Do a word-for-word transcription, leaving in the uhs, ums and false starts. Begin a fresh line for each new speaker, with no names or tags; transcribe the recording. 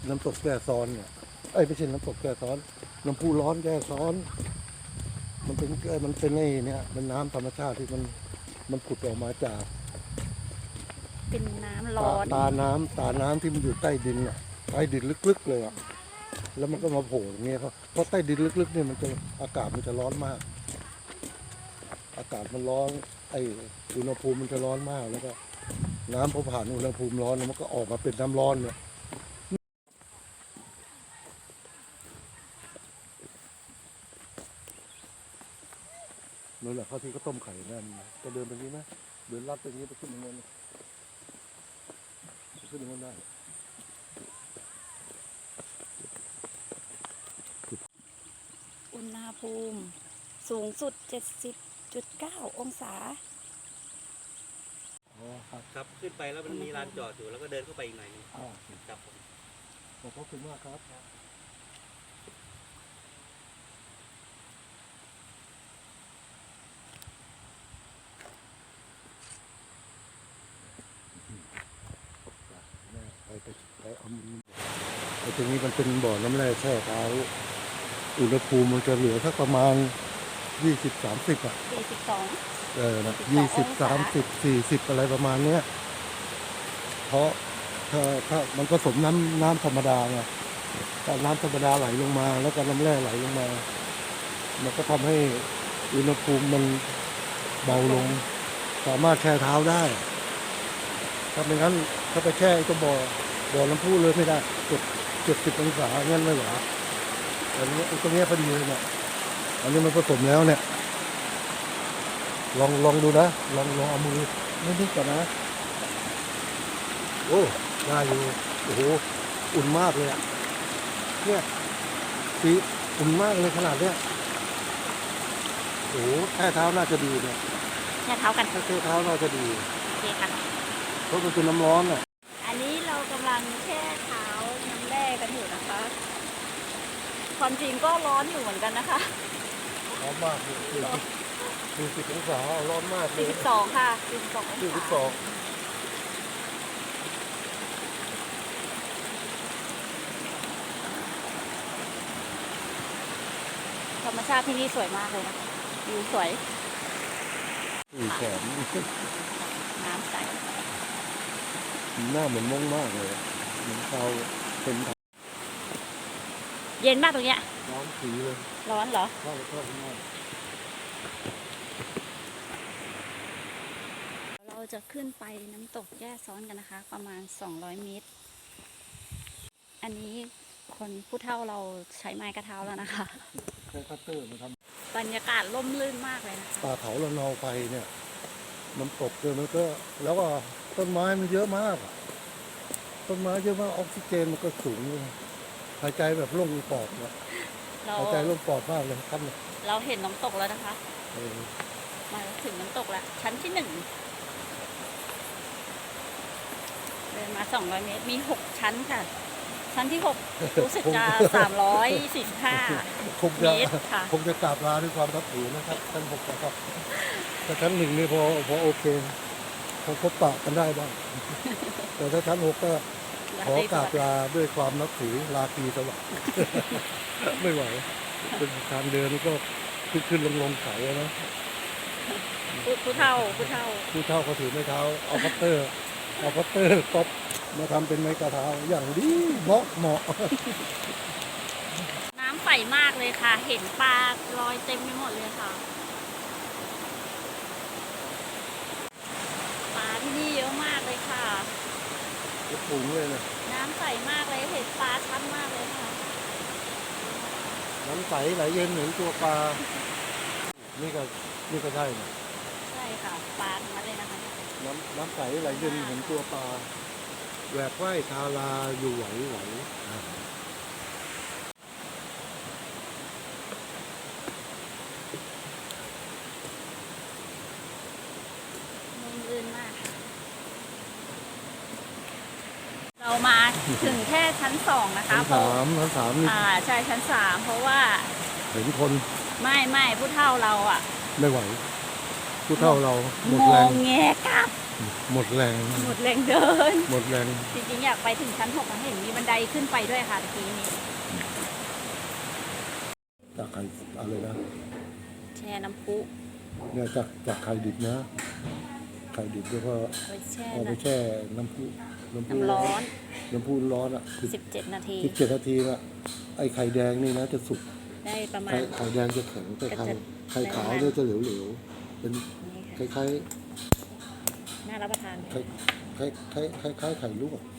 น้ำตกแก่ซ้อนเนี่ยไอ้ยไม่ใช่น้ำตกแก่ซ้อนน้ำพุร้อนแก่ซ้อนมันเป็นเอ่อมันเป็นไอ้เนี่ยมันน้ำธรรมชาติที่มันมันผุดออกมาจาก
เป็นน้ำร้
ตา
อน
ตาน้ำตาน้ำที่มันอยู่ใต้ดินอ่ะใต้ดินลึกๆเลยอ่ะแล้วมันก็มาโผล่อย่างเงี้ยครับเพราะใต้ดินลึกๆเนี่ยมันจะอากาศมันจะร้อนมาก อากาศมันร้อนไอ้อุณหภูมิมันจะร้อนมากแล้วก็น้ำพอผ่านอุณหภูมิร้อนแล้วมันก็ออกมาเป็นน้ำร้อนเนี่ยนั่นแหละเขาที่เขาต้มไข่นั่นจะเดินไปนี้ไหมเดินลัดไปนี้ไปขึ้นตรงนั้นไปขึ้นตรงนั้นได้
อุณหภูมิสูงสุด เจ็ดสิบจุดเก้า องศา
อ๋อครับ
ครับขึ้นไปแล้วมันมีลานจอดอยู่แล้วก็เดินเข้าไปอีกหน่อยนึง
อ่า
ครับผม
ขอบคุณมากครับไปไปไปเอาไอ้ตรงนี้มันเป็นบ่อน้ำแร่แช่เท้าอุณหภูมิมันจะเหลือสักประมาณยี่สิบสามสิบอ่ะ
สี่สิบสอง
เออนะยี่สิบสามสิบสี่สิบอะไรประมาณเนี้ยเพราะถ้าถ้ามันผสมน้ำน้ำธรรมดาไงถ้าน้ำธรรมดาไหลลงมา แล้วก็น้ำแร่ไหลลงมา มันก็ทำให้อุณหภูมิมันเบาลง สามารถแช่เท้าได้ ถ้าไม่งั้นถ้าไปแช่ไอ้ตัวบ่อบ่อน้ำพุเลยไม่ได้เจ็ดเจ็ดสิบองศาเงี้ยไม่ไหวแต่อันนี้ไอ้ตรงเนี้ยพอดีเลยเนี่ยอันนี้มันผสมแล้วเนี่ย ลองลองดูนะลองลองเอามือนิดๆก่อนนะโอ้ได้อยู่โอ้โหอุ่นมากเลยอ่ะเนี่ยสีอุ่นมากเลยขนาดเนี้ยโอ้โหแช่เท้าน่าจะดีเนี่ย
แช่เท้ากัน
ถ้าแช่เท้าน่าจะดี
โอเคค่ะ
เพราะมันเป็นน้ำร้อนอ่ะ
อันนี้เรากำลังแช่เท้าน้ำแร่กันอยู่นะคะ ความจริงก็ร้อนอยู่เหมือนกันนะคะ
ร้อนมากเลยสี่สิบองศาร้อนมากเลย
สี่สิบสอง ค่ะ สี่สิบสอง
สี่
อง
สิบส
ศา
อง
ธรรมชาติที่นี่สวยมากเลยนะคะวิวสวย
สี่แขน
น้ำใส
หน้าเหมือนม่วงมากเลยเหมือนเขาเป็น
เย็นมากตรงเนี้ย
ร้อนสีเลย
ร้อนเหรอ
เข้าเข้าข้างนอก
เราจะขึ้นไปน้ำตกแย่ซ้อนกันนะคะ ประมาณสองร้อยเมตร อันนี้คนผู้เฒ่าเราใช้ไม้กระเท้าแล้วนะคะ
ใช้คัตเตอร์มาท
บรรยากาศร่มรื่นมากเลยนะคะ
ำป่าเขาละนองไปเนี่ยมันตกเลยมันก็แล้วก็ต้นไม้มันเยอะมากอะต้นไม้เยอะมากออกซิเจนมันก็สูงเลยหายใจแบบโล่งปอดเนี่ย
เรา
หายใจโล่งปอดมากเลยครับเนี่ย
เราเห็นน้ำตกแล้วนะคะ
เออ
มาถึงน้ำตกแล้ว ชั้นที่หนึ่งเดินมาสองร้อยเมตร มีหกชั้นค่ะ ชั้นที่หกรู้สึกจะสามร้อยสี่สิบห้า
คง
เม
จะ
ตรค่ะ
คงจะกราบลาด้วยความรับถือนะครับท่านหกนะครับแต่ชั้นหนึ่งนี่พอพอโอเคพอพบปะกันได้บ้างแต่ถ้าชั้นหกก็ขอกราบลาด้วยความนับถือลาตรีสวัสดิ์ ไม่ไหวเป็นทางเดินก็ขึ้นขึ้นลงลงเขาอะนะ
ผู้ผู้เฒ่าผู้เฒ่า
ผู้เฒ่าเขาถือไม้เท้าเอาพัตเตอร์เอาพัตเตอร์ก๊อปมาทำเป็นไม้กระเท้าอย่างดีเหมาะเหมาะ
น้ำใสมากเลยค่ะ เห็นปลาลอยเต็มไปหมดเลยค่ะ ปลาที่นี่เยอะมากเลยค่ะ
จะปรุงเลยนะ
น้ำใสมากเลย เห็นปลาชัดมากเลยค่ะ
น้ำใสไหลเย็นเหมือนตัวปลา นี่ก็นี่ก็ใช่นะ
ใช่ค่ะ ปลาทั้งนั้นเลยนะคะ
น้ำน้ำใสไหลเย็นเหมือนตัวปลาแหวกว่ายทาราอยู่ไหวไหวอ่า
ร่มรื่นมากค่ะเรามาถึงแค่ชั้นสองนะคะ
ชั้น
เพราะ
สามชั้นสามนี่
อ่าใช่ชั้นสามเพราะว่า
เห็นคน
ไม่ไม่ผู้เฒ่าเราอ่ะ
ไม่ไหว ผู้เฒ่าเราหมด
ง
แรง
งแงกลับ
หมดแรง
หมดแรงเดิน
หมดแรง
จริงๆอยากไปถึงชั้นหกนะเห็นมีบันไดขึ้นไปด้วยค่ะตะกี้นี้
จากไข่อะไรนะ
แช่น้ำพุ
เนี่ยจากจากไข่ดิบนะไข่ดิบแล้วก็
เอาไปแช่
เอาไป
นะ
แช่น้ำพุน้ำพุ
น้ำร้อน
น้ำพุร้อนอ่ะ
สิบเจ็ดนาที
สิบเจ็ดนาทีละไอ้ไข่แดงนี่นะจะสุก
ได้ประมา
ไข่
ณ
ไข่แดงจะแข็งแต่ไข่
ก็จะ
ไข่ขาวเนี่ยจะเหลวๆเป็น
นี้
ค
ค่ะ
ล้าย
น่ารับประทาน
ๆคล้ายคล้ายคล้ายคล้ายๆไข่ลวก